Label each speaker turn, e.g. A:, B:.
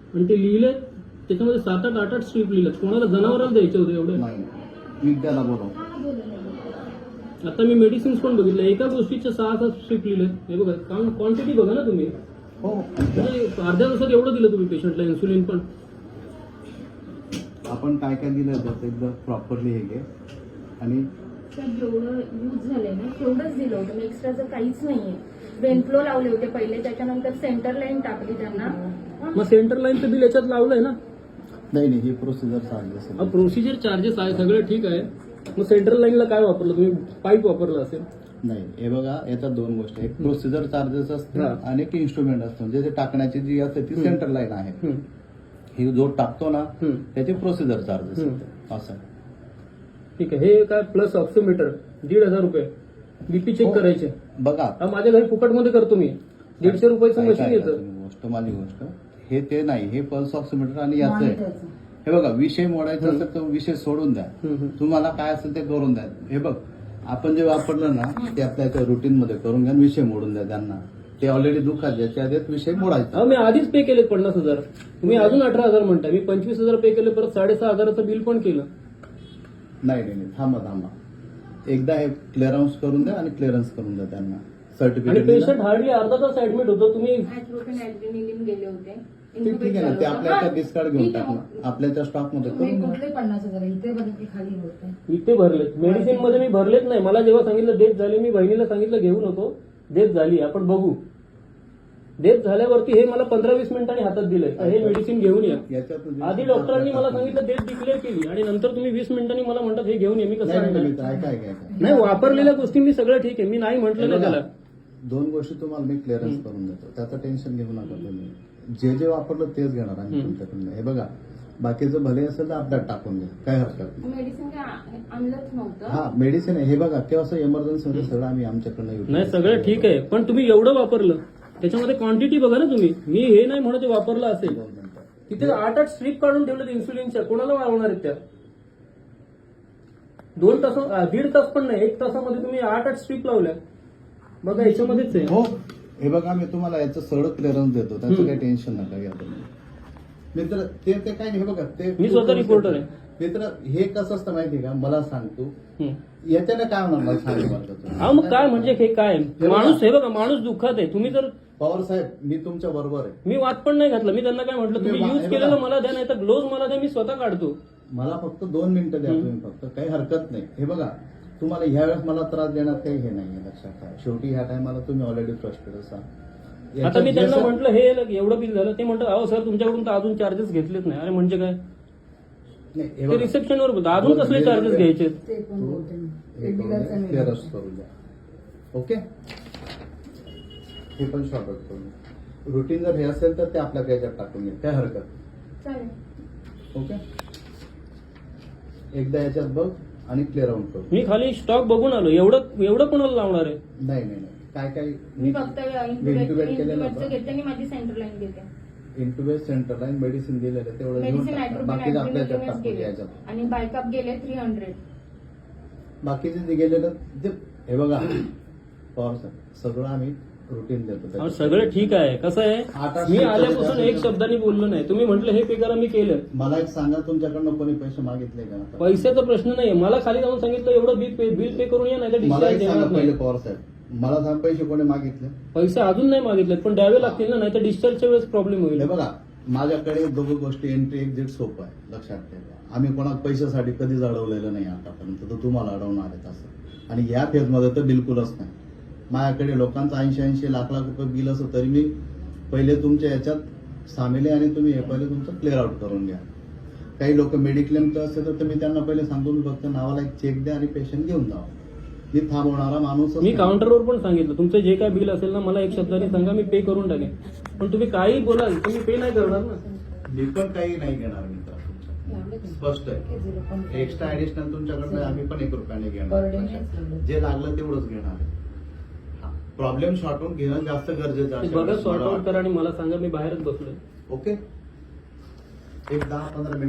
A: आणि ते लिहिलं त्याच्यामध्ये 7-8 स्ट्रीप लिहिलं. कोणाला जनावरांना द्यायचे होते एवढे?
B: नाही, मी त्याला बोलव.
A: आता मी मेडिसिन्स पण बघितलं, एका गोष्टीच्या 6-7 स्ट्रीप लिहिले. हे बघा, क्वांटिटी बघा ना तुम्ही.
B: हो,
A: म्हणजे अर्ध्या दिवसात एवढं दिलं तुम्ही पेशंटला इन्सुलिन पण.
B: आपण काय काय दिलं त्याचं एकदम प्रॉपरली हे घे. आणि
C: जेवढं यूज झालंय ना तेवढंच दिलं होतं मी, एक्स्ट्राचं काहीच नाहीये. वेनफ्लो लावले होते पहिले, त्याच्यानंतर सेंटर लाईन टाकली त्यांना.
A: मग सेंटर लाईनचं बिल याच्यात लावलंय ना?
B: नाही, ही प्रोसिजर चार्जेस आहे.
A: प्रोसिजर चार्जेस आहे, सगळं ठीक आहे. मग सेंट्रल लाईनला काय वापरलं तुम्ही? पाईप वापरलं असेल.
B: नाही, हे बघा, याच्यात 2 गोष्टी. एक प्रोसिजर चार्जेस असते आणि एक इन्स्ट्रुमेंट असतं. म्हणजे ते टाकण्याची जी असते ती सेंटर लाईन आहे. ही जो टाकतो ना त्याचे प्रोसिजर चार्जेस असं.
A: ठीक आहे. हे काय प्लस ऑक्सिमीटर 1,500 रुपये. बीपी चेक करायचे.
B: बघा,
A: माझ्या घरी फुकटमध्ये करतो मी. 150 रुपयाचं मशीन येतं.
B: माझी गोष्ट हे ते नाही, हे पल्स ऑक्सिमीटर आणि याचं आहे. हे बघा, विषय मोडायचा असेल तर विषय सोडून द्या. तुम्हाला काय असेल ते करून द्या. हे बघ, आपण जे वापरलं ना ते आपल्या रुटीन मध्ये करून घ्या. विषय मोडून द्या त्यांना. ते ऑलरेडी दुःखात याच्या आधीच विषय मोडायचा.
A: मी आधीच पे केले 50,000. तुम्ही अजून 18,000 म्हणताय. मी 25,000 पे केले, परत 6,500चं बिल पण केलं.
B: नाही, थांबा. एकदा हे क्लिअरन्स करून द्या आणि क्लिअरन्स करून द्या त्यांना
A: आणि
B: सर्टिफिकेट.
A: पेशंट हार्डली अर्धा तास ऍडमिट होतो. तुम्ही
C: ॲड्रेनालिन गेले होते.
B: ठीक आहे ना, ते आपल्याला डिस्कार्ड घेऊन टाकलं आपल्याच्या स्टॉक मध्ये करून द्या.
D: कुठले 50,000 इथे बघा खाली होते.
A: इथे भरलेत. मेडिसिन मध्ये मी भरलेच नाही. मला जेव्हा सांगितलं डेथ झाली, मी बहिणीला सांगितलं घेऊ नको, डेथ झाली आपण बघू. डेथ झाल्यावरती हे मला 15-20 मिनिटांनी हातात दिलंय, हे मेडिसिन घेऊन या. आधी डॉक्टरांनी मला सांगितलं डेथ डिक्लेअर केली आणि नंतर तुम्ही 20 मिनिटांनी मला म्हणतात हे घेऊन या. मी कसं नाही, वापरलेल्या गोष्टी सगळं ठीक आहे, मी नाही म्हटलं नाही त्याला.
B: 2 गोष्टी तुम्हाला मी क्लिअरन्स करून देतो, त्याचं टेन्शन घेऊ नका तुम्ही. जे वापरलं तेच घेणार आम्ही तुमच्याकडून. हे बघा, बाकीचं भले असेल तर आपल्यात टाकून द्या, काय हरकत नाही.
C: मेडिसिन काय आणलंच नव्हतं.
B: हा, मेडिसिन आहे. हे बघा, किंवा असं इमर्जन्सी मध्ये सगळं आम्ही आमच्याकडनं
A: नाही, सगळं ठीक आहे, पण तुम्ही एवढं वापरलं त्याच्यामध्ये क्वांटिटी बघा ना तुम्ही. मी हे नाही म्हणत वापरलं असेल. तिथे 8-8 स्ट्रीप काढून ठेवलं इन्सुलिनच्या. कोणाला वाढवणार आहेत त्या? 2 तास, 1.5 तास पण नाही, 1 तासामध्ये तुम्ही 8-8 स्ट्रीप लावल्या. बघा, याच्यामध्येच आहे.
B: हो, हे बघा, मी तुम्हाला याचं सगळं क्लिअरन्स देतो, त्याचं काही टेन्शन नका घ्या तुम्ही. मित्र, ते काय नाही. हे बघा, ते
A: मी स्वतः रिपोर्टर आहे.
B: मित्र, हे कसं असतं माहिती का, मला सांगतो याच्याने काय होणार मला सांगा.
A: मग काय म्हणजे हे काय माणूस, हे बघा, माणूस दुःखात आहे. तुम्ही जर
B: पवार साहेब, मी तुमच्या बरोबर आहे.
A: मी वाद पण नाही घातला. मी त्यांना काय म्हटलं, तुम्ही यूज केलेलं मला द्या, नाही तर ग्लोव्ह मला द्या, मी स्वतः काढतो.
B: मला फक्त 2 मिनिटं द्या तुम्ही, फक्त काही हरकत नाही. हे बघा, तुम्हाला ह्या वेळेस मला त्रास देण्यात काही हे नाही, लक्षात ठेवा. शेवटी ह्या टायमाला तुम्ही ऑलरेडी फ्रस्ट्रेटेड असाल.
A: आता मी त्यांना म्हटलं हे एवढं बिल झालं, ते म्हणतात अहो सर तुमच्याकडून तर अजून चार्जेस घेतलेच नाही. अरे म्हणजे काय, ते रिसेप्शनवर बोलतो अजून कसले चार्जेस घ्यायचे.
D: ते पण बोलते मी.
B: क्लिअरन्स करून द्या. ओके, हे पण शॉर्ट आउट करून. रुटीन जर हे असेल तर ते आपल्या याच्यात टाकून घ्या, काय हरकत.
C: चालेल.
B: ओके, एकदा याच्यात बघ आणि क्लिअर आउट करू.
A: मी खाली स्टॉक बघून आलो. एवढं कोणाला लावणार आहे?
B: नाही, काय
C: मी फक्त
B: इंटुबेट केलेलं होतं.
C: घेते आणि माझी सेंटर लाईन घेते.
B: इंटुबेट, सेंटर लाईन, मेडिसिन दिलेलं तेवढं घेऊन
C: मेडिसिन
B: टाका. बाकी आपल्या याच्यात टाकून
C: गेले
B: याच्यात.
C: आणि बायकअप गेले 300.
B: बाकीचे जे गेलेलं ते हे बघा, पवार सर, सगळं आम्ही रुटीन देतो.
A: सगळं ठीक आहे. कसं आहे, मी आल्यापासून एक शब्दाने बोललो नाही. तुम्ही म्हटलं हे पे करा, मी केलं.
B: मला एक सांगा, तुमच्याकडनं कोणी पैसे मागितले का?
A: पैशाचा प्रश्न नाही. मला खाली जाऊन सांगितलं एवढं बिल पे करून या, नाही तर
B: मला एक
A: डिस्चार्ज
B: सांगा
A: देणार
B: पहिले,
A: नाही.
B: पवार साहेब, मला सांग, पैसे कोणी मागितले?
A: पैसे अजून नाही मागितले, पण द्यावे लागतील ना, नाही तर डिस्चार्जच्या वेळेस प्रॉब्लेम होईल.
B: हे बघा, माझ्याकडे 2 गोष्टी, एंट्री एक्झिट सोपं आहे, लक्षात ठेवा. आम्ही कोणा पैशासाठी कधीच अडवलेलं नाही आतापर्यंत, तर तुम्हाला अडवणार आहेत असं. आणि या फेजमध्ये तर बिलकुलच नाही. माझ्याकडे लोकांचं 80-80 लाख रुपये बिल असं, तरी मी पहिले तुमच्या याच्यात सामील आहे आणि तुम्ही हे पहिले तुमचं क्लिअर आउट करून घ्या. काही लोक मेडिक्लेमचं असेल तर मी त्यांना पहिले सांगतो, फक्त नावाला एक चेक द्या आणि पेशंट घेऊन जावा. मी थांबवणारा माणूस.
A: मी काउंटरवर पण सांगितलं, तुमचं जे काय बिल असेल ना, मला एक शब्दाने सांगा, मी पे करून टाकेन. पण तुम्ही काही बोलाल, तुम्ही पे नाही करणार ना.
B: मी पण काही नाही घेणार मित्र, स्पष्ट आहे. एक्स्ट्रा ऍडिशनल तुमच्याकडनं आम्ही पण 1 रुपयाने घेणार. जे लागलं तेवढंच घेणार आहे. प्रॉब्लेम सॉर्ट आउट घेणं जास्त गरजेचं आहे.
A: बघा, सॉर्ट आउट करा आणि मला सांगा, मी बाहेरच बसलोय.
B: ओके, एक 10-15 मिनिट.